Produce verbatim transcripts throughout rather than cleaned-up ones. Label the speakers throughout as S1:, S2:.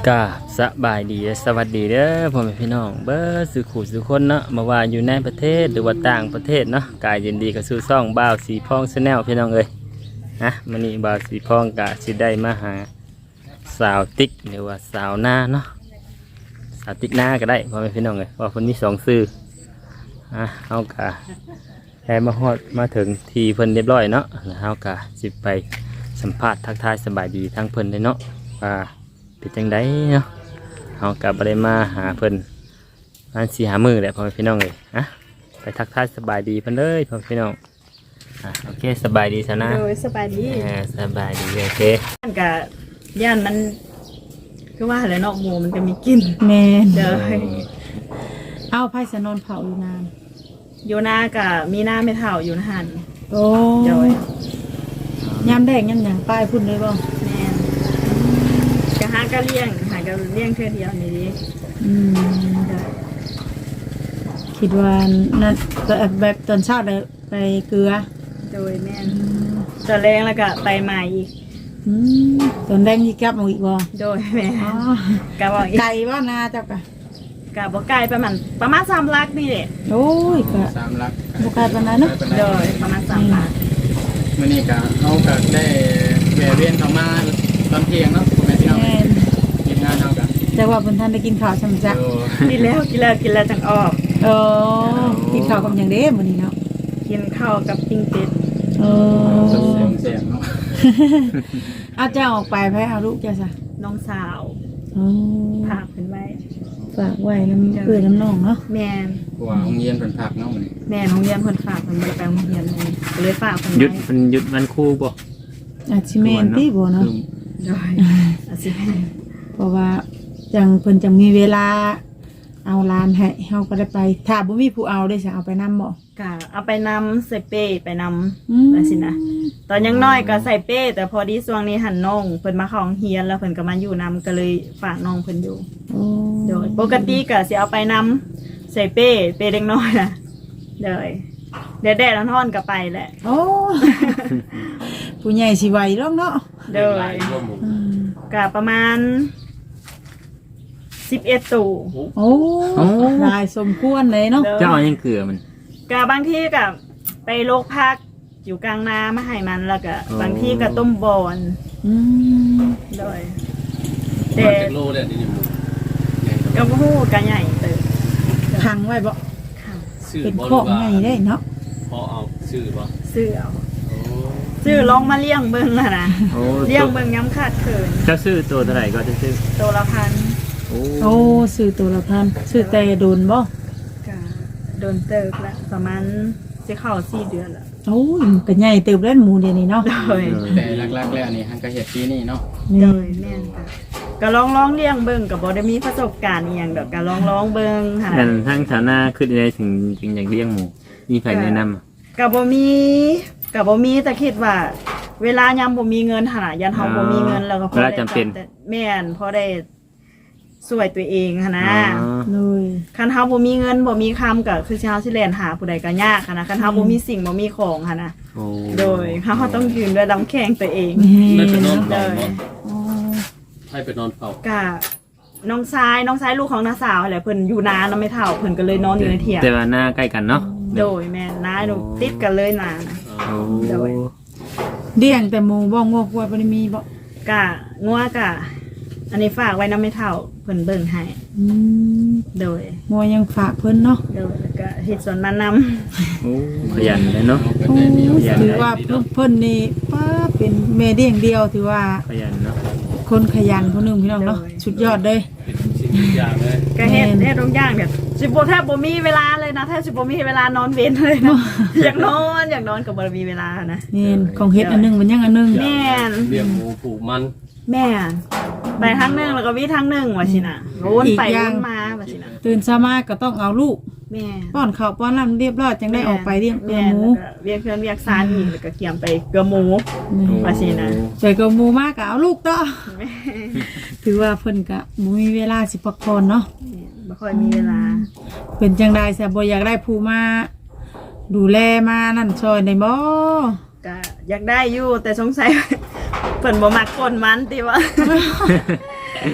S1: กาสบายดีสวัสดีเด้อพ่อแม่พี่น้องเบ้อสื่อขู่สื่อคนเนาะมาว่าอยู่ในประเทศหรือว่าต่างประเทศเนาะกายยินดีกับสู่ซ่องบ่าวสีพองชาแนลพี่น้องเอ้ยนะมันนี่บ่าวสีพองกะสิได้มาหาสาวติ๊กหรือว่าสาวหน้าเนาะสาวติ๊กหน้าก็ได้พ่อแม่พี่น้องเอ้ยว่าคนนี้สองซื่ออ่ะเอากะแค่มาฮอดมาถึงทีเพิ่นเรียบร้อยเนาะแล้วเอากะสิไปสัมภาษณ์ทักทายสบายดีทั้งเพิ่นเลยเนาะว่าเป็นจังไดเนาะเอากลับไปมาหาเพิ่นอันสี่หามือแหละพ่อพี่น้องเลยอะไปทักทายสบายดีเพิ่นเลยพ่อพี่น้องอ่ะโอเคสบายดีซะนะ
S2: โดยสบายดี
S1: อ่าสบายดีโอเค
S2: ย่านกับย่านมันคือว่าอะไรนอกหมูมันจะมีกลิ่น
S3: แม่น
S2: เด้อ
S3: เอาไผ่สนนเผาอยู่นาน
S2: อยู่หน้ากับมีหน้าไม่เท่าอยู่นะหัน
S3: โอ้
S2: โดย
S3: ยามแดงยามหยังป้ายพุ่นเลยบ่
S2: แม่นกะหากะเลี้ยงหากะเลี้ยงเพื่อเดียวนี่ดิ
S3: อืม
S2: โดย
S3: คิดว่านั่นแบบแบบตอนเช้าได้ไปเกลือ
S2: โดยแม่นตอนแรงแล้วก็ไปใหม่อีก
S3: อืมตอนแดงยี่กลับมาอีกบ่
S2: โดยแม่
S3: อ๋อ
S2: กะบอกอีก
S3: ไก่บ่นาเจ้ากะ
S2: กะบอกไกลประมาณประมาณสามลักนี่แหละ
S3: โอ้ยกะ
S4: สามลัก
S3: บ่ไกลปานนั้นเนาะ
S2: โดยประมาณสามลัก
S4: มื่อนี้ก็เขาก็ได้แวะเวียนเข้ามาตอนเที่ยงเนาะคุณแม่พี่น้อง
S3: แม่น
S4: ทีมงานเรากัน
S3: แต่ว่าเพิ่นท่านได้กินข้าวซ้ํจัก
S4: โอ้
S2: กินแล้วกินแล้วกินแล้วจังออก
S3: เออกินข้าวกับหยังเด้มื้อนี้เนาะ
S2: กินข้าวกับปิ้งเป็ด
S3: เอ
S4: เสีย
S3: อง
S4: เสียงเนาะ
S3: เอาเจ้าออกไปไผเอาลูกเจ้าซะ
S2: น้องสาว
S3: อ๋อ
S2: พาขึ้นไว้
S3: ฝากไว้น้ำเอื้อน้ำน้องเนาะ
S2: แม่น
S4: กว่าโรงเรียนเป็นผักเนาะมื้อนี้
S2: แม่โรงเรียนคนฝากคนบริการโรงเรียนเลยก็เลยฝากคน
S1: หยุด
S2: ไว้
S1: มันหยุดมันครู่บ่
S3: อาชิเมนที่บ่เนาะ
S1: คือ
S2: โดยอาสิแม่
S3: เพราะว่าจังเพิ่นจังมีเวลาเอาลานให้เฮาก็ได้ไปถ้าบ่มีผู้เอาได้สิเอาไปนำบ่
S2: กะเอาไปนำใส่เป้ไปน
S3: อืม
S2: ำอะไรสินะตอนยังน้อยก็ใส่เป้แต่พอดีช่วงนี้หันน้องเพิ่นมาเข้าโรงเรียนแล้วเพิ่นก็มาอยู่นำก็เลยฝากน้องเพิ่นอยู่
S3: โอ้
S2: โดยปกติก็สิเอาไปนำใส่เป้เป้เด็กน้อยนะโดยแดดๆร้อนๆก็ไปแหละ
S3: โอ้ ผู้ใหญ่สิไหวหรอกเนาะ
S2: โดย
S3: อืม
S2: กะประมาณสิบเอ็ดตู่
S3: โอ้หลายสมควรเลยเนาะ
S1: เจ้าเอายังเกลือมัน
S2: กะบางที่กับไปโลกพักอยู่กลางนามาให้มันแล้วก็
S1: อ๋อ
S2: บางที่ก็ต้มบอน
S3: อืม
S2: โดย
S4: แต่
S2: แต่
S4: โลเนี่ยนี่หมู
S2: ก็บ่ฮู้กะใหญ่เติบ
S3: พังไว้บ่
S2: ค่ะ
S4: ชื่อ
S3: เป็น
S4: บ่
S3: ของใหญ่ได้เนาะ
S4: พอเอาชื่อบ่
S2: ซื้อเอา
S4: โอ้
S2: ซื้อลองมาเลี้ยงเบิ่งน่ะนะ
S1: โอ้
S2: เลี้ยงเบิ่งย้ำขาดเขิน
S1: เจ้าซื้อตัวเท่าไหร่ก็จะซื้อ
S2: ตัวละพัน
S1: โอ้
S3: โอ้ซื้อตัวละพันซื้อแต่โดนบ่
S2: กะโดนเติบละประมาณสิเข้าสี่เดือนละ
S3: โอ้ยมันก็ใหญ่เติบแล้วหมูเดี๋ยวนี้เนาะ
S2: โดย
S4: แต่หลักๆแล้วนี่ฮันก็เฮ็ดปีนี้เนาะ
S2: โดยแม่นค่ะก็ลองลองเลี้ยงเบิ่งก็บ่ได้มีประสบการณ์อีหยังดอกก็ลองลองเบิ่งค่ะ
S1: นั่นทั้งฐานะขึ้นได้ถึงจึงอยากเลี้ยงหมูมีใครแนะนำอะ
S2: กับบ่มีกับบ่มีแต่คิดว่า เวลายามบ่มีเงินหนนายันเฮาบ่มีเงินแล้วก็พอ
S1: เวลา
S2: ได้
S1: จำเป็น
S2: แต่แม่นพอได้ช่วยตัวเองหันนะ
S1: อ๋อ
S3: เลย
S2: คันเฮาบ่มีเงินบ่มีคำก็คือสิเฮาสิแล่นหาผู้ใดก็ยากหันนะคันเฮาบ่มีสิ่งบ่มีของหันนะ
S1: โอ้
S2: โดยเฮาต้องยืนด้วยลำแข้งตัวเอง
S4: ได้ไปนอน
S2: โด
S4: เฝ้าย บ่
S3: อ๋อ
S4: ให้ไปนอนเฝ้า
S2: ก็น้องชายน้องชายลูกของน้าสาวแหละเพิ่นอยู่นานแล้วไม่เฒ่าเพิ่นก็เลยนอนอยู่ในเถียง
S1: แต่ว่าหน้าใกล้กันเนาะ
S2: โดยแม่นน้าหนูติดกันเลยนานะ
S1: โอ้
S2: โดย
S3: เลี้ยงแต่หมูบ่งอกไว้บ่ได้มีบ่
S2: กะงัวกะ อันนี้ฝากไว้น้ำไม่เท่าเพิ่นเบิ่งให้
S3: อืม
S2: โดย
S3: หมูยังฝากเพิ่นเนาะ
S2: โดยแล้วก็เฮ็ดสวนมันน
S1: โอ้ขยันเลยเนาะ
S4: เพิ่นได้มีโอกาส
S3: ถือว่าเพิ่นเพิ่นนี่ป้าเป็นแม่เลี้ยงเดียวถือว่า
S1: ขยันเนาะ
S3: คนขยันคนหนึงพี่น้องเนาะสุดยอดเลย
S4: เป็นสิ่งอย่างเลย
S2: ำก็เฮ็ด
S3: แม่น
S2: เฮ็ดทุกอย่างเนี่ยสิบ่แทบบ่มีเวลาเลยนะแทบสิบ่มีเวลานอนเว้นเลยนะ อยากนอนอยากนอนก็บ่มีเวลานะ
S3: นี่ของเฮ็ดอันหนึงมันยังอันหนึง
S2: แม่น
S4: เลี้ยงหมูปลูกมัน
S2: แม่นไปทางหนึงแล้วก็มีทางหนึงว่าสินะวนไปวนมาว่าสินะ
S3: ตื่นเช้ามาก็ต้องเอาลูก
S2: แม่น
S3: ป้อนข้าวป้อนน้ำเรียบร้อยจังได้ออกไปเลี้ยงเกลือหมู
S2: แนแล้วก็เวียกเพื่อนเวียกซานอีกแล้วก็เกี่ยมไปเกลือหมู
S3: นี่
S2: ว่าสินะ
S3: ใจเกลือหมูมากก็เอาลูกต่อ
S2: แม่
S3: ถือว่าเพิ่นก็บ่มีเวลาสิพักผ่อนเนาะ
S2: บ่ค่อยมีเวลา
S3: เป็นจังได๋ซะบ่อยากได้ผู้มาดูแลมานั่นช่วยได้บ่
S2: ก็อยากได้อยู่แต่สงสัย เพิ่นบ่มักคนมันติว่า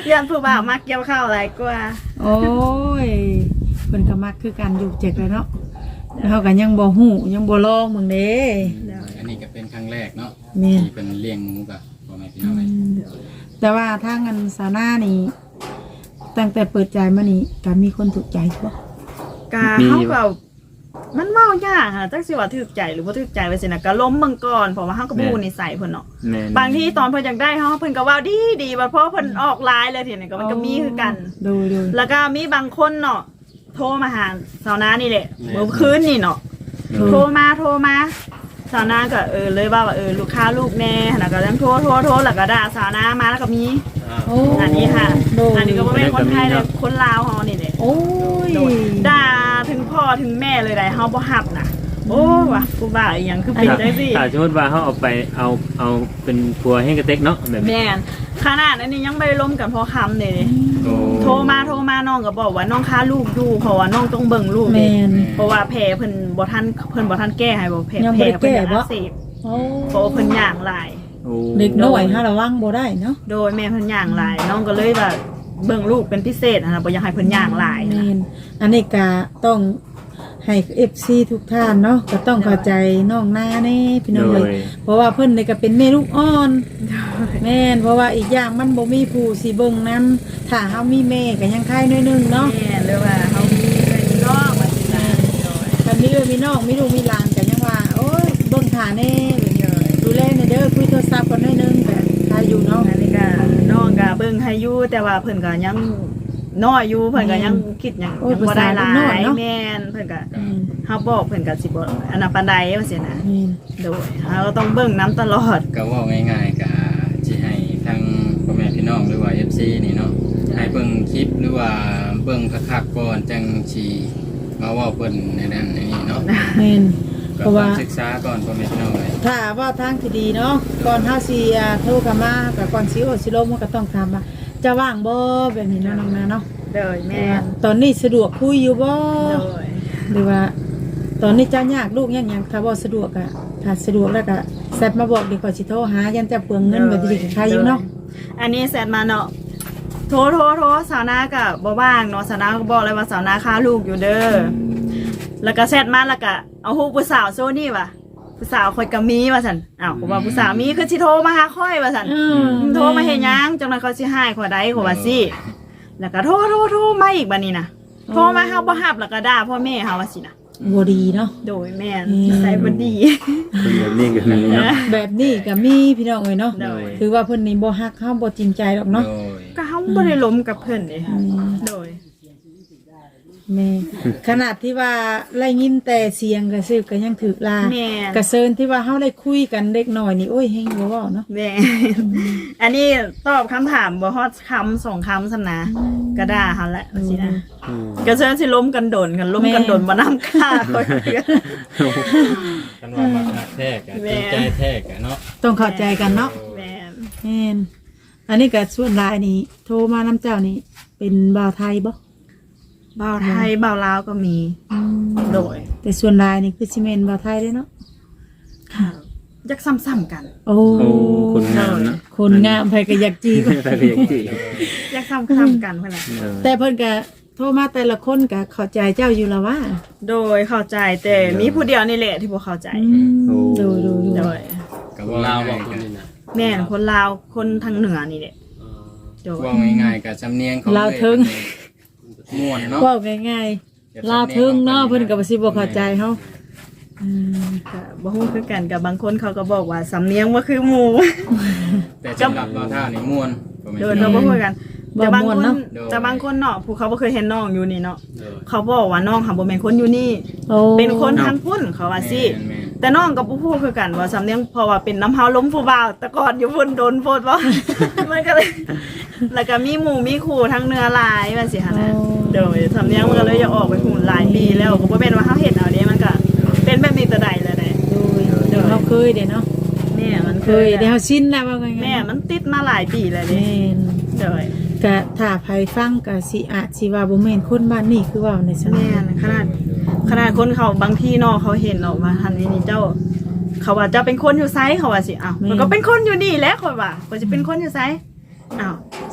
S2: ยันผู้บ่าวมักเกี่ยวข้าวหลายกว่า
S3: โอ้ยเพิ่นก็มักคือการอยู่เจ็กเลยเนาะแล้วเขาก็ยังบ่ฮู้ยังบ่ลองมึงเด้
S4: อันนี้ก็เป็นครั้งแรกเนาะ
S3: แม่น
S4: ที่เป็นเลี้ยงหมูกับพ่อแม่พี่น้องเลย
S3: แต่ว่าทางอันสาวหน้านี่ตั้งแต่เปิดใจมานี่ก็มีคนถูกใจบ่
S2: กาเฮาก็มันเมายากค่ะจักสิว่าถูกใจหรือบ่ถูกใจไปสินะก็ล้มเบิ่งก่อนเพราะว่าเฮาก็บ่ฮู้นิสัยเพิ่นเนาะ
S1: แม่น
S2: บางทีตอนเพิ่นอยากได้เฮาเพิ่นก็เว้าดีดีบัดพอเพิ่นออกไลน์เลยทีนี้ก็มันก็มีคือกัน
S3: ดูดู
S2: แล้วก็มีบางคนเนาะโทรมาหาสาวนานี่แหละเมื่อคืนนี่เนาะโทรมาโทรมาสาวนาก็เออเลยว่าว่าเออลูกค้าลูกแน่แล้วก็ยังโทรโทรโทรแล้วก็ด่าสาวนามาแล้วก็มี
S3: โอ้
S2: อันนี้ค่ะ
S3: ดู
S2: อันนี้ก็บ่แม่นคนไทยเลยคนลาวเฮานี่แหละ
S3: โอ้ย
S2: โดยด่าถึงพ่อถึงแม่เลยได้เฮาบ่ฮับน่ะโอ้ว่ะกูบ้าอีหยังคือเป็นจังซี่
S1: ถ้าสมมติว่าเขาเอาไปเอาเอาเป็นผัวให้กระเต็กเนาะแบบนี้
S2: แม่นขนาดอันนี้ยังไม่ได้ล้มกันเพราะคำเลย
S1: โอ้
S2: โทรมาโทรมาน้องก็บอกว่าน้องค้าลูกอยู่เพราะว่าน้องต้องเบิ่งลูก
S3: แม
S2: เด้
S3: น
S2: เพราะว่าแผลเพิ่นบ่ทันเพิ่นบ่ทันแก้ให้บ่แผล
S3: ยังบ่
S2: แผล
S3: ได้แก้
S2: เพิ่นอยาก
S3: บ่
S2: อักเสบ
S3: โอ้
S2: เพราะว่าเพิ่นย่างหลาย
S1: โอ้
S3: เด็กน้อยฮะระวังบ่ได้เนาะ
S2: โดยแม่เพิ่นย่างหลาย น้องก็เลยว่าเบิ่งลูกเป็นพิเศษนะบ่อยากให้เพิ่นย่างหลาย
S3: แม
S2: นะ
S3: นอันนี้ก็ต้องให้ เอฟ ซี ทุกท่านเนาะก็ต้องเข้าใจน้องหน้าแน่พี่น้อง
S1: โด
S3: เลย ยเพราะว่าเพิ่นนี่ก็เป็นแม่ลูกอ่อน แม่นเพราะว่าอีกอย่างมันบ่มีผู้สิเบิ่งนํถ้าเฮามีแม่ก็ยังคายน้อยหนึงเนาะ
S2: แม่หรือว่าเฮามีเพื่อนพี่น้องว่าสินะโดย
S3: ถ้ามีเอ้ยมีน้องมีลูกมีหลานก็ยังว่าโอ้ยเบิ่งท่าแน่ดูแลในเด้อคุยโทรศัพท์กันน้อยหนึงก็ถ้าอยู่เนาะ
S2: อันนี้ก็น้องก็เบิ่งให้อยู่แต่ว่าเพิ่นก็ยังน้อยอยู่เพิ่นก็ยังคิดหยัง
S3: โอ้ย
S2: ยังบ่ได้หลา
S3: ภาษาเด็กน้อย
S2: ย
S3: เนาะ
S2: แม่นเพิ่นก็
S3: อืม
S2: เฮาบอกเพิ่นก็สิบ่อันนั้นปานใดว่าซี่นะ
S3: แม่น
S2: โดยเฮาก็ต้องเบิ่งน้ำตลอด
S4: ก็เว่าง่ายๆก็สิให้ทางพ่อแม่พี่น้องหรือว่า เอฟ ซี นี่เนาะให้เบิ่งคลิปหรือว่าเบิ่งคักๆก่อนจังสิมาเว้าเพิ่นในนั้นในนี้เนาะ
S3: แม่น
S4: ก็
S3: เพราะ
S4: ต้อ
S3: ว่า
S4: งศึกษาก่อนพ่อแม่พี่น้องเลย
S3: ถ้าว่าทางที่ดีเนาะก่อนเฮาสิอ่าโทรเข้ามากับก่อนสิโอสิลมมันก็ต้องถามว่าจะว่างบ่แบบนี้เนาะน้องนาเนาะ
S2: โดยแม่น
S3: ตอนนี้สะดวกคุยอยู่บ่
S2: โดย
S3: หรือว่า ตอนนี้จะยากลูกยังหยังถ้าบ่สะดวกอ่ะถ้าสะดวกแล้วก็แซดมาบอกดีกว่าสิโทรหายันจะเปลืองเงินแบบนี้ก็ใครอยู่เนาะ
S2: อันนี้แซดมาเนาะโทรโทรโทรสาวนาก็บ่ว่างเนาะสาวนาก็บอกเลยว่าสาวนาค้าลูกอยู่เด้อแล้วก็แซดมาแล้วก็เอาฮู้ผู้สาวโซนี่ว่ะผู้สาวข่อยก็มีว่าซั่นอ้าวก็ว่าผู้สาวมีคือสิโทรมาหาข่อยว่าซั่น
S3: อืม
S2: โทรมาเฮ็ดหยังจังนั้นเขาสิให้ข่อยได้ข่อยว่าสิแล้วก็โทรโทรโทรมาอีกบัดนี้นะโทรมาเฮาบ่รับแล้วก็ด่าพ่อแม่เฮาว่าสินะ
S3: บ่ดีเนาะ
S2: โดยแม่น
S3: อืม
S2: ใส่บ่ดี
S1: คนแบบนี้ก็มีเนาะ
S3: แบบนี้ก็มีพี่น้องเอ้ยเนาะ
S2: โดย
S3: ถือว่าเพิ่นนี่บ่ฮักเฮาบ่จริงใจหรอกเนาะ
S4: โดย
S2: ก็เฮาบ่ได้ล้มกับเพิ่นเด้
S3: อืม
S2: โดย
S3: แม่ขนาดที่ว่าได้ยินแต่เสียงก็ซื้อก็ยังถือลา
S2: แม่น
S3: กระเซินที่ว่าเฮาได้คุยกันเด็กน้อยนี่โอ้ยเฮงบ่เว้าเนาะ
S2: แม่ อันนี้ตอบคำถามบ่ฮอดคำสองคำซั่นนะก็ด่าเฮาแหละว่าสินะ
S1: อืม
S2: ก็เชิญสิล้มกันโดนกันล้มกันโดนบ่นำค่าข่อยเด้อ
S4: กันว่ามาหักแท้กะ
S2: แม่
S4: จริงใจแท้กะเนาะ
S3: ต้องเข้าใจกันเนาะ
S2: แม่น
S3: แม่นอันนี้ก็ส่วนหลายนี่โทรมานํเจ้านี่เป็นบ่าวไทยบ่
S2: บ่าวไทยบ่าวลาวก็มี
S3: อืม
S2: โดย
S3: แต่ส่วนหลายนี่คือสิแม่นบ่าวไทยเด้เนาะ
S2: ค่ะยักซ้ำๆกัน
S3: โอ้
S1: โอ้คนงามเนาะ
S3: คนงามไผก็อยากจีบ
S1: แต่ก็ยังจี
S2: ยักซ้ำๆกันเพิ่นน่ะ
S1: เออ
S3: แต่เพิ่นก็โทรมาแต่ละคนก็เข้าใจเจ้าอยู่แล้วว่า
S2: โดยเข้าใจแต่มีผู้เดียวนี่แหละที่บ่เข้าใจ
S3: ดูดูดู
S2: โดย
S4: ก็เว่า
S5: ลาวบ
S4: ง่า
S5: อก
S4: ยๆ
S5: คน
S4: กะ
S5: นี้นะ
S2: แม่นคนลาวคนทางเหนือนี่แหละโดย
S4: เว่าง่ายๆกะสำเนียงของ
S3: ลาวเทิง
S4: ม่วนเนาะ
S3: เว้าง่ายๆลาวถึงเนาะเพิ่นก็บ่สิบ่เข้าใจเฮาอืม
S2: ก็บ่ฮู้คือกันกับบางคนเขาก็บอกว่าสำเนียงบ่คือหมู่
S4: แต่สำหรับเราท่านี่ม่วนบ่แม่น
S2: โดย
S4: พี่น้
S2: เขา
S4: อง
S2: บ่คุยกัน
S3: บ่
S2: แต่บาง
S3: ม่ว
S2: คน น
S3: เนาะ
S2: แต่บางคนเนาะผู้เขาบ่เคยเห็นน้องอยู่นี่เนาะ
S5: เออ
S2: เขาบอกว่าน้องค่ะบ่แม่นคนอยู่นี่
S3: โอ้
S2: เป็นคนทางพุ่นเขาว่าสิ
S4: แม่น
S2: แต่น้องก็บ่พูดคือกันว่าสำเนียงเพราะว่าเป็นน้ำเฮาล้มผู้บ่าวแต่ก่อนอยู่พุ่นโดนโพดบ่ มันก็เลย แล้วก็มีหมู่มีคู่ทั้งเนื้อหลายว่าสิหั่นน่ะโดยสำเนียงมันก็เลยอยากออกไปหุ่นหลายปีแล้วก็บ่แม่นว่าเฮาเฮ็ดเอาเด้มันก็เป็นแบบนี้แต่ใดแล้วแหละ
S3: ดูเดี๋ยวเราเคยเด้เนาะ
S2: แม่มัน
S3: เค
S2: เค
S3: ย
S2: ย
S3: เดี๋ยวเฮาชินแล้วว่าไง
S2: แม่มันติดมาหลายปีแล้วเด้
S3: แม่น
S2: โดย
S3: ก็ถ้าไผฟังก็สิอาจสิว่าบ่แม่นคนบ้านนี้คือว่าในซั่น
S2: แม่นขนาดขนาดคนเขาบางที่เนาะเขาเห็นเนาะว่าทันนี้นี่เจ้า เขาว่าเจะเป็นคนอยู่ไซเขาว่าสิอ้าวมันก็เป็นคนอยู่นี่แหละคนว่าก็จะเป็นคนอยู่ไซอ้าว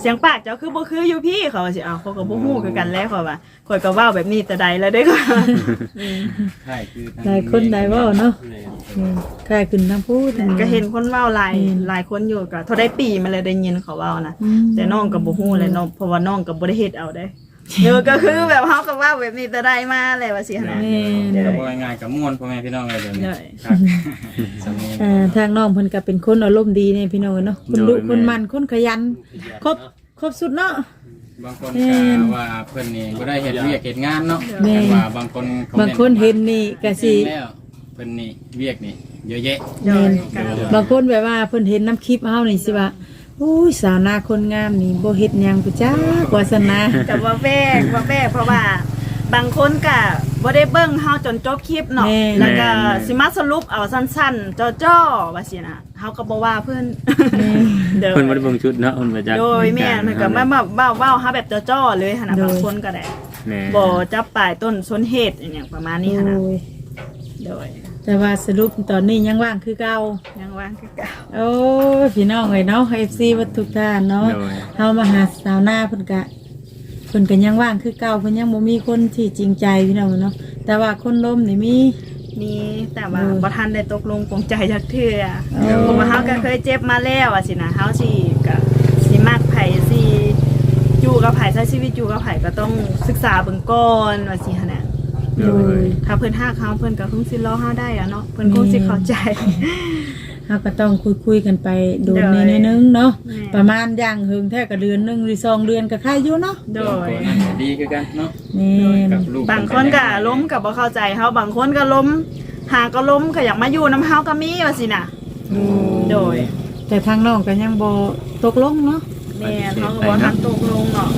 S2: เสียงปากเจ้าคือบ่คืออยู่พี่เขาว่าสิเอาเขาก็บ่ฮู้คือกันแล้วเขาว่าข่อยก็เว้าแบบนี้แต่ใดแล้วเด้อค่ะ
S4: ใช่คือทาง
S3: หลายคนหลายเว้าเนาะแม่นคล้ายขึ้นทางพูดทาง
S2: ก็เห็นคนเว้าหลายหลายคนอยู่ก็เท่าได้ปีมาเลยได้ยินเขาเว้านะ
S3: อืม
S2: แต่น้องก็บ่ฮู้เลยน้องเพราะว่าน้องก็บ่ได้เฮ็ดเอาได้เออก็คือแบบเฮาก็เว้าแบบนี้แต่ใดมาแหละว่าสิหั่นน่ะ
S3: แม่น
S4: ก็บ่ง่ายๆกับม่วนพ่อแม่พี่น้องเลยเดี๋ยวนี้
S2: ได้
S4: ครับสำเนียง
S3: อ่าทางน้องเพิ่นก็เป็นคนอารมณ์ดีเนี่ยพี่น้องเนาะคนดุคนมันคนขยันครบครบสุดเนาะ
S4: บางคน
S3: แม่
S4: ก็
S3: น
S4: ว่าเพิ่นนี่บ่ได้เฮ็ดเวียกเฮ็ดงานเนาะ
S3: แม่น
S4: แต่ว่าบางคน
S3: บางคนเห็นนี่ก็สิ
S4: แล้วเพิ่นนี่เวียกนี่เยอะแยะ
S2: โดย
S4: แม่น
S2: ก็
S3: บางคนแบบว่าเพิ่นเห็นน้ำคลิปเฮานี่สิว่าอุ้ยสาวนาคนงามนี่บ่เฮ็ดหยังพุจ้ากว่าสนา
S2: ก็บ่แวกบ่แวกเพราะว่าบางคนก็บ่ได้เบิ่งเฮาจนจบคลิปเนาะแล้วก็สิมาสรุปเอาสั้นๆจ้อๆว่าสินะเฮาก็บ่ว่าเพิ่น เด้อ
S1: เพิ่นบ่ได้เบิ่งชุดเนาะเพิ่นมาจาก
S2: โดยแม่นมันก็มามาเว้าเว้าเฮาแบบจ้อๆเลยหั่นน่ะบางคนก็ได้
S1: แม่
S2: บ่จับปลายต้นสนเหตุอหย่างประมาณนี้หั่นน่ะ
S3: โอ้ย
S2: โดย
S3: แต่ว่าสรุปตอนนี้ยังว่างคือเก่า
S2: ยังว่างคือเก่า
S3: โอ้ยพี่น้องเอ้ยเนาะ เอฟ ซี วัดทุกท่านเนาะ
S1: โดย
S3: เฮามาหาสาวหน้าเพิ่นก็เพิ่นก็ยังว่างคือเก่าเพิ่นยังบ่มีคนที่จริงใจพี่น้องเนาะแต่ว่าคนล้มนี่มี
S2: มีแต่ว่า
S3: โดย
S2: บ่ทันได้ตกลงปลงใจจักเทื่อ
S3: โอ้
S2: เพราะว่าเฮาก็เคยเจ็บมาแล้วอ่ะสินะเฮาสิก็สิมักไผสิอยู่กับไผใช้ชีวิตอยู่กับไผก็ต้องศึกษาเบิ่งก่อนว่าสิหั่นน่ะ
S1: โดย
S2: ถ้าเพิ่นฮักเฮาเพิ่นก็คงสิรอเฮาได้อะเนาะเพิ่นคงสิเข้าใจ
S3: เฮาก็ต้องคุยๆกันไปโดน
S2: โดย
S3: นิดนึงเนาะ
S2: แม่
S3: ประมาณอย่างหึงแท้ก็เดือนหนึงหรือสองเดือนก็ค่าอยู่เนาะ
S2: โดย
S4: ตัวนั้นก็ดีคือกันเนาะ
S3: แม่น
S4: กับลูก
S2: บางคนก็ล้มก็บ่เข้าใจเฮาบางคนก็ล้มหาก็ล้มก็อยากมาอยู่นํเฮาก็มีว่าสิน่ะ โดย
S3: แต่ทางน้องก็ยังบ่ตกลงเนาะ
S2: แม่นเฮาก็บ่ทันตกลงเนาะ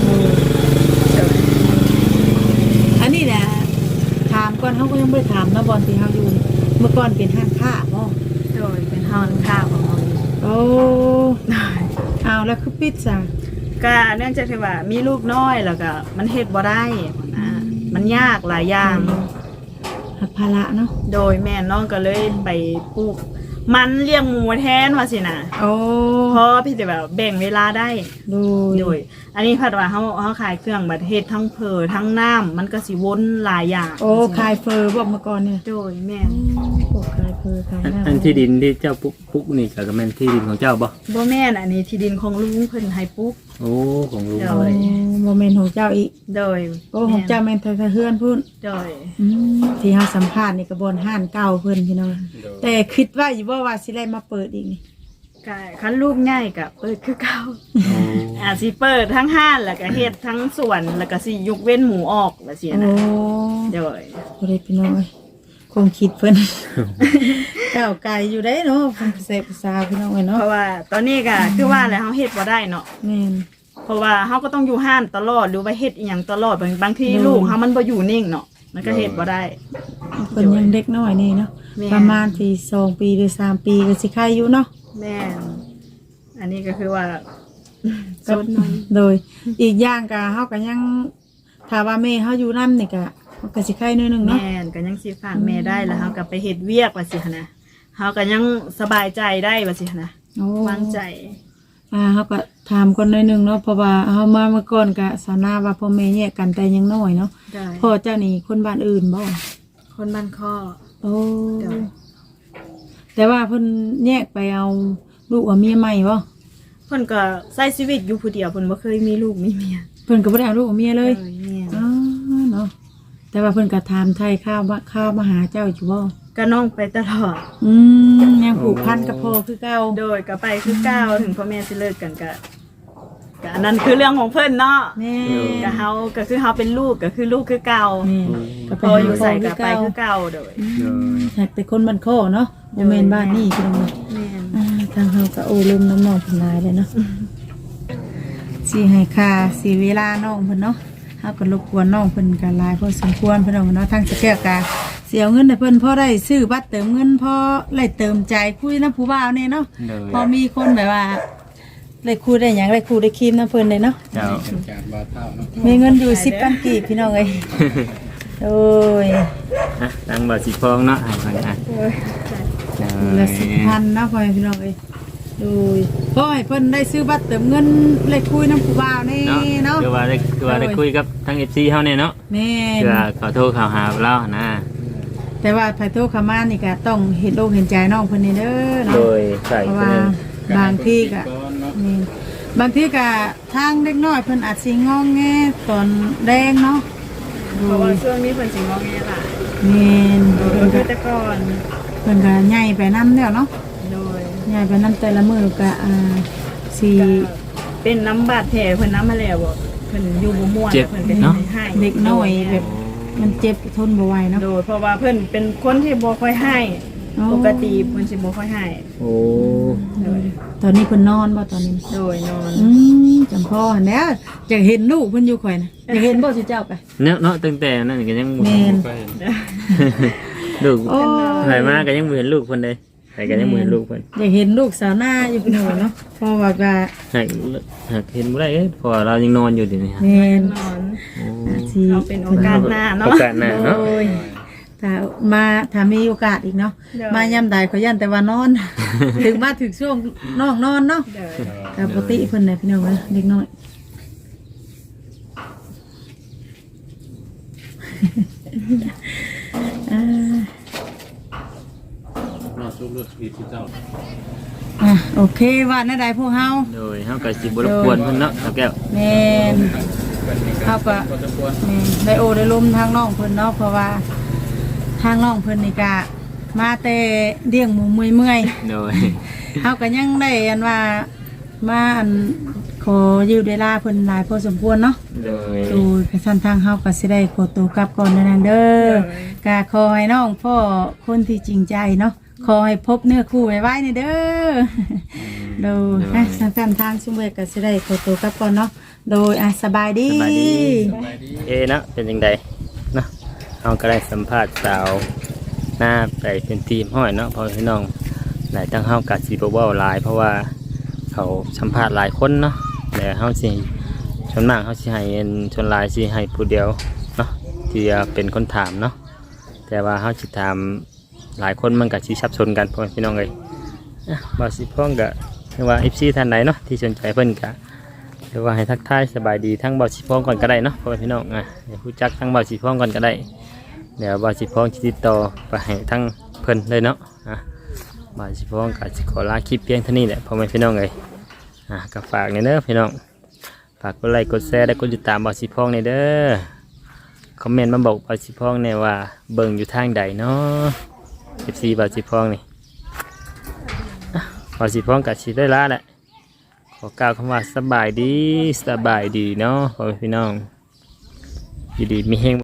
S3: อันนี้แหละถามก่อนเฮาก็ยังบ่ได้ถามเนาะบอนที่เฮาอยู่นี่เมื่อก่อนเป็นห้างค้าบ่
S2: โดยเป็นเฮาค่าของเฮา
S3: โอ้เอาแล้วคือปิดซะ
S2: ก็เนื่องจากที่ว่ามีลูกน้อยแล้วก็มันเฮ็ดบ่ได้นะมันยากหลายอย่าง
S3: หักภาระเนาะ
S2: โดยแม่น้องก็เลยไปปลูกมันเลี้ยงหมูแทนว่าสินะ
S3: โอ้
S2: เพราะพี่จะแบบแบ่งเวลาได้
S3: โดย
S2: โดย อันนี้พัดว่าเฮาเฮาขายเครื่องบัดเฮ็ดทั้งเพอทั้งน้ำมันก็สิวนหลายอย่าง
S3: โอ้ขายเฟอร์บ่เมื่อก่อนเนี่ย
S2: โดยแม่น
S3: โอ้ขายเฟอร์ขาย
S1: อัน
S3: น้ำ
S1: อันที่ดินที่เจ้าปุ๊กปุ๊กนี่ก็แม่นที่ดินของเจ้าบ่
S2: บ่แม่นอันนี้ที่ดินของลุงเพิ่นให้ปลูก
S1: โอ้ของลุง
S2: โด
S3: โอ้
S2: ย
S3: บ่แม่นของเจ้าอีก
S2: โดย
S3: โอ้ของเจ้าแม่นไทยเฮือนพุ่น
S2: โดย
S3: อืมที่เฮาสัมภาษณ์นี่ก็บ่อนห้านเก่าเพิ่นพี่น้องแต่คิดว่าอยู่บ่ว่าสิได้มาเปิดอีกนี่
S2: ก็คันลูกใหญ่ก็เปิดคือเก่า
S1: โอ้
S2: อาจสิเปิดทั้งห้านแล้วก็เฮ็ดทั้งสวนแล้วก็สิยกเว้นหมูออกว่าซี่
S3: โอ้
S2: นะโดย
S3: บ่ได้พี่น้องเอ้ยคงคิดเพิ่น ก้าวไกลอยู่ได้เนาะเพิ่นเสพภาษาพี่น้องเอ้ย
S2: เพ
S3: เนาะ
S2: ราะว่าตอนนี้ก็คือว่าแล้วเฮาเฮ็ดบ่ได้เนาะ
S3: แม่น
S2: เพราะว่าเฮาก็ต้องอยู่ห้านตลอดหรือว่าเฮ็ดอีหยังตลอดบางบางที
S3: อืม
S2: ลูกเฮามันบ่อยู่นิ่งเนาะมันก็เฮ็ดบ่ได้
S3: เพิ่นยังเด็กน้อยนี่เนาะ
S2: แม่
S3: ประมาณที่สองปีหรือสามปีก็สิคายอยู่เนาะ
S2: แม่นอันนี้ก็คือว่า
S3: ก็
S2: สดหน่อย
S3: โดยอีกอย่างก็เฮาก็ยังถ้าว่าแม่เฮาอยู่นำนี่ก็ก็สิคายหน้อยหนึงเนาะ
S2: แม่นก็ยังสิฝากแม่ได้แล้วเฮาก็ไปเฮ็ดเวียกว่าสิหั่นนะเฮาก็ยังสบายใจได้ว่าสิหั่นนะ
S3: โอ้
S2: วางใจ
S3: อ่าเฮาก็ถามก่อนหน่อยหนึงเนาะเพราะว่าเฮามาเมื่อก่อนก็สานาว่าพ่อแม่แยกกันแต่ยังน้อยเนาะ
S2: ได้
S3: พ่อเจ้านี่คนบ้านอื่นบ่
S2: คนบ้านข้อ
S3: โอ้
S2: เดี๋ยว
S3: แต่ว่าเพิ่นแยกไปเอาลูกกับเมียใหม่บ่
S2: เพิ่นก็ใช้ชีวิตอยู่ผู้เดียวเพิ่นบ่เคยมีลูกมีเมีย
S3: เพิ่นก็บ่ได้เอาลูกกับเมียเลย
S2: ออแม่น
S3: อ๋อเนาะแต่ว่าเพิ่นก็ถามไทยข้าวว่าข้าวมาหาเจ้าอยู่บ่
S2: ก็น้องไปตลอด
S3: อืมยังผูกพันกับพ่อคือเก่า
S2: โดยก็ไปคือเก้าวถึงพ่อแม่สิเลิกกันก็ก็อันนั้นคือเรื่องของเพิ่นเนาะ
S3: แม่
S2: ก็เฮาก็คือเฮาเป็นลูกก็คือลูกคือเก่า
S3: แม่ก็
S2: พออยู่ใส่ก็ไปคือเก่าโดย
S1: โดย
S3: หากแต่คนบ้านโคเนาะบ่แม่นบ้านนี้พี่น้องเนาะ
S2: แม่น
S3: อ่าทางเฮาก็โอ้ลืมน้ำน้องเพิ่นหลายเลยเนาะสิให้ค่าสิเวลาน้องเพิ่นเนาะเฮาก็รบกวนน้องเพิ่นก็หลายพอสมควรเพิ่นเอาเนาะทางสแกลกะเสียเงินให้เพิ่นพอได้ซื้อบัตรเติมเงินพอได้เติมใจคุยนำผู้บ่าวนี่เนาะ
S1: โดย
S3: พอมีคนแบบว่าได้คุยได้หยังได้คุยได้ครีมนำเพิ่นเลยเนาะ
S1: เจ้า
S4: เป็นการบ่เท่าเนาะ
S3: มีเงินอยู่สิบพันกีบพี่น้องเอ้ยโอ้ย
S1: อ่ะตั้งบ่สิพองเนาะให้ฟังอ่ะ
S2: โอ้ย
S1: โด
S3: ละ
S1: ย
S3: สิบพันเนาะพ่อแม่พี่น้องเอ้ยโดยพ่อให้เพิ่นได้ซื้อบัตรเติมเงินเลขคุยน้ำผู้บ่าวนี่
S1: เนาะ
S3: เนาะ
S1: คือว่าได้คือว่าได้คุยกับทั้ง เอฟ ซี เฮาเนี่ยเนาะ
S3: แม่น
S1: เพื่อขอโทษข่าวหาเรานะ
S3: แต่ว่าไผโทรเข้ามานี่ก็ต้องเห็นอกเห็นใจน้องเพิ่นนี่เด้อเนาะ
S1: โดยใส่
S3: เพราะ
S1: เพิ่
S3: ว่าน บางที่ก็
S4: ก่อนเนาะ
S3: นี่บางที่ก็ทางเด็กน้อยเพิ่นอาจสิงองแงตอนแดงเนาะ
S2: เพราะว่าช่วงนี้เพิ่นสิงอแงหลาย
S3: แม่น
S2: โดย
S3: เพิ่นก็
S2: คือแต่ก่อน
S3: เพิ่นก็ใหญ่ไปนำแล้วเนาะ
S2: โดย
S3: ใหญ่ไปนำแต่ละมื้อก็อ่าสิ
S2: ก็เป็นน้ำบาดแผลเพิ่นน้ำมาแล้วบ่เพิ่นอยู่บ่ม่วนเพิ่นก็ให้
S3: เด็กน้อยแบบมันเจ็บทนบ่ไหวเนาะ
S2: โดยเพราะว่าเพิ่นเป็นคนที่บ่ค่อยให้
S3: อ๋อ
S2: ปกติเพิ่นสิบ่ค่อยให้
S1: โอ้
S2: โดย
S3: ตอนนี้เพิ่นนอนบ่ตอนนี้
S2: โดยนอน
S3: อืมจำพ่อหั่นแหล้วอยากเห็นลูกเพิ่นอยู่ข่อยนะอยากเห็นบ่สิเจ้าไป
S1: เนาะเนาะตั้งแต่นั้นก็ยังบ่
S3: แม่น
S4: ไปเห็น
S1: ลูก
S3: โอ้
S1: ไหลมาก็ยังบ่เห็นลูกเพิ่นเลยใครก็ยังบ่เห็นลูกเพิ่น
S3: อยากเห็นลูกสาวหน้าอยู่พี่น้องเนาะเพราะว่าก็
S1: หากหากเห็นบ่ได้เอ้ยเพราะว่าเรายังนอนอยู่เดี๋ยวนี้ฮะ
S3: แม่น
S2: นอน
S1: โอ้
S3: สิ
S2: เอาเป็นโอกาสหน้าเนาะ
S1: โอกาสหน้าเนาะ
S3: โอ้ยถ้ามาถ้ามีโอกาสอีกเนาะ
S2: เดี๋ยว
S3: มายามใดขอยันแต่ว่านอน ถึงมาถึงช่วงน้องนอนเนาะ
S2: โดย
S3: แต่ปกติเพิ่นน่ะพี่น้องเอ้ยเด็กน้อย อ่า
S4: รอดซุบรถสปีดที่เจ้า
S3: อ่ะโอเคว่าแน่ใดพวกเฮา
S1: โดยเฮาก็สิบ่รบกวนเพิ่นเนาะครับแก้ว
S3: แม่น เขาก็
S4: ก็จะควร
S3: แม่นได้โอได้ลมทางน้องเพิ่นเนาะเพราะว่าทางน้องเพิ่นนี่ก็มาแต่เลี้ยงหมูเมื่อย
S1: โดย
S3: ๆเฮาก็ยังได้อันว่ามาอันขอยืมเวลาเพิ่นหลายพอสมควรเนาะ
S1: โดย
S3: โดยกระสันทางเฮาก็สิได้ขอตัวกลับก่อนนั่นเด้อก็ขอให้น้องพ่อคนที่จริงใจเนาะขอให้พบเนื้อคู่ไว้ๆนี่เด้อโดยอ่ะสั้นๆทางซุมเวก็สิได้ขอตัวกลับก่อนเนาะโดยอ่ะสบายดี
S1: สบายดี เอะเนาะเป็นยังไงเนาะเราก็ได้สัมภาษณ์สาวหน้าไปเป็นทีมห้อยเนาะเพอพี่น้องหลายตั้งเฮากัดสีบเว้าหลาย เพราะว่าเขาสัมภาษณ์หลายคนเนาะแต่เฮาสิชนมากเฮาสิให้เอ็นชนหลายสิให้ผู้เดียวเนาะที่จะเป็นคนถามเนาะแต่ว่าเฮาสิถามหลายคนมันก็สิสับสนกันพ่อพี่น้องเลยอ่ะบ่สิพ้องก็คือว่า เอฟ ซี ท่านใดเนาะที่สนใจเพิ่นก็หรือว่าให้ทักทายสบายดีทั้งเบาสีพองก่อนก็ได้เนาะพ่อแม่พี่น้องอ่ะให้ผู้จักทั้งเบาสีพองก่อนก็ได้เดี๋ยวเบาสีพองจะติดต่อไปให้ทั้งเพิ่นเลยเนาะอ่ะเบาสีพองก็จะขอลาคลิปเพียงเท่านี้แหละพ่อแม่พี่น้องเลยอ่ะก็ฝากในเด้อพี่น้องฝากกดไลค์กดแชร์และกดติดตามเบาสีพองในเด้อคอมเมนต์มาบอกเบาสีพองเนี่ยว่าเบิ่งอยู่ทางใดเนาะ เอฟ ซี เบาสีพองนี่อ่ะเบาสีพองก็สิได้ลาแหละขอกล่าวคำว่าสบายดีสบายดีเนาะพ่อแม่พี่น้องอยู่ดีมีเฮง